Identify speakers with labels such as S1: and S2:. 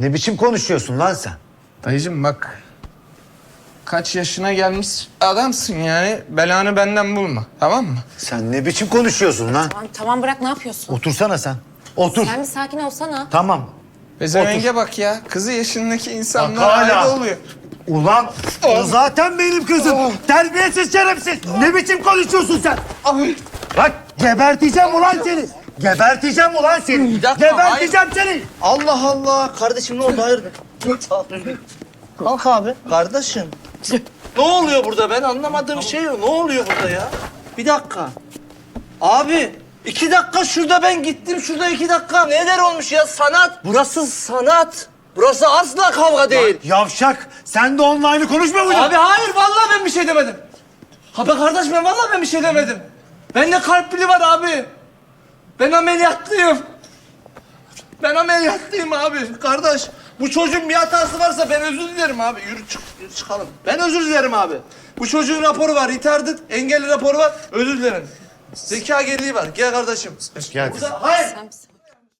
S1: Ne biçim konuşuyorsun lan sen?
S2: Dayıcım bak. Kaç yaşına gelmiş adamsın yani. Belanı benden bulma. Tamam mı?
S1: Sen ne biçim konuşuyorsun lan?
S3: Tamam bırak, ne yapıyorsun?
S1: Otursana sen. Otur.
S3: Sen bir sakin olsana.
S1: Tamam.
S2: Pezevenge bak ya. Kızı yaşındaki
S1: Bak
S2: insanlar
S1: hala.
S2: ayrı oluyor.
S1: Ulan o zaten benim kızım. Terbiyesiz, şerefsiz. Ne biçim konuşuyorsun sen?
S2: Ay.
S1: Bak geberteceğim ulan seni. Geberteceğim ulan seni.
S4: Bir dakika,
S1: Geberteceğim seni.
S4: Allah Allah. Kardeşim ne oldu? Hayırdır? Kalk abi. Kardeşim. Ne oluyor burada? Ben anlamadığım şey yok. Ne oluyor burada ya? Bir dakika. Abi 2 dakika şurada ben gittim. Şurada 2 dakika. Neler olmuş ya? Sanat. Burası sanat. Burası asla kavga değil.
S1: Yavşak, sen de online'ı konuşmuyor muydun?
S4: Abi hayır. Vallahi ben bir şey demedim. Abi kardeş ben bir şey demedim. Bende kalp pili var abi. Ben ameliyatlıyım. Ben ameliyatlıyım abi. Kardeş bu çocuğun bir hatası varsa ben özür dilerim abi. Yürü çıkalım. Ben özür dilerim abi. Bu çocuğun raporu var. Retarded engelli raporu var. Özür dilerim. Zeka geriliği var. Gel kardeşim.
S1: Gel.
S4: Hayır.
S3: Sen misin?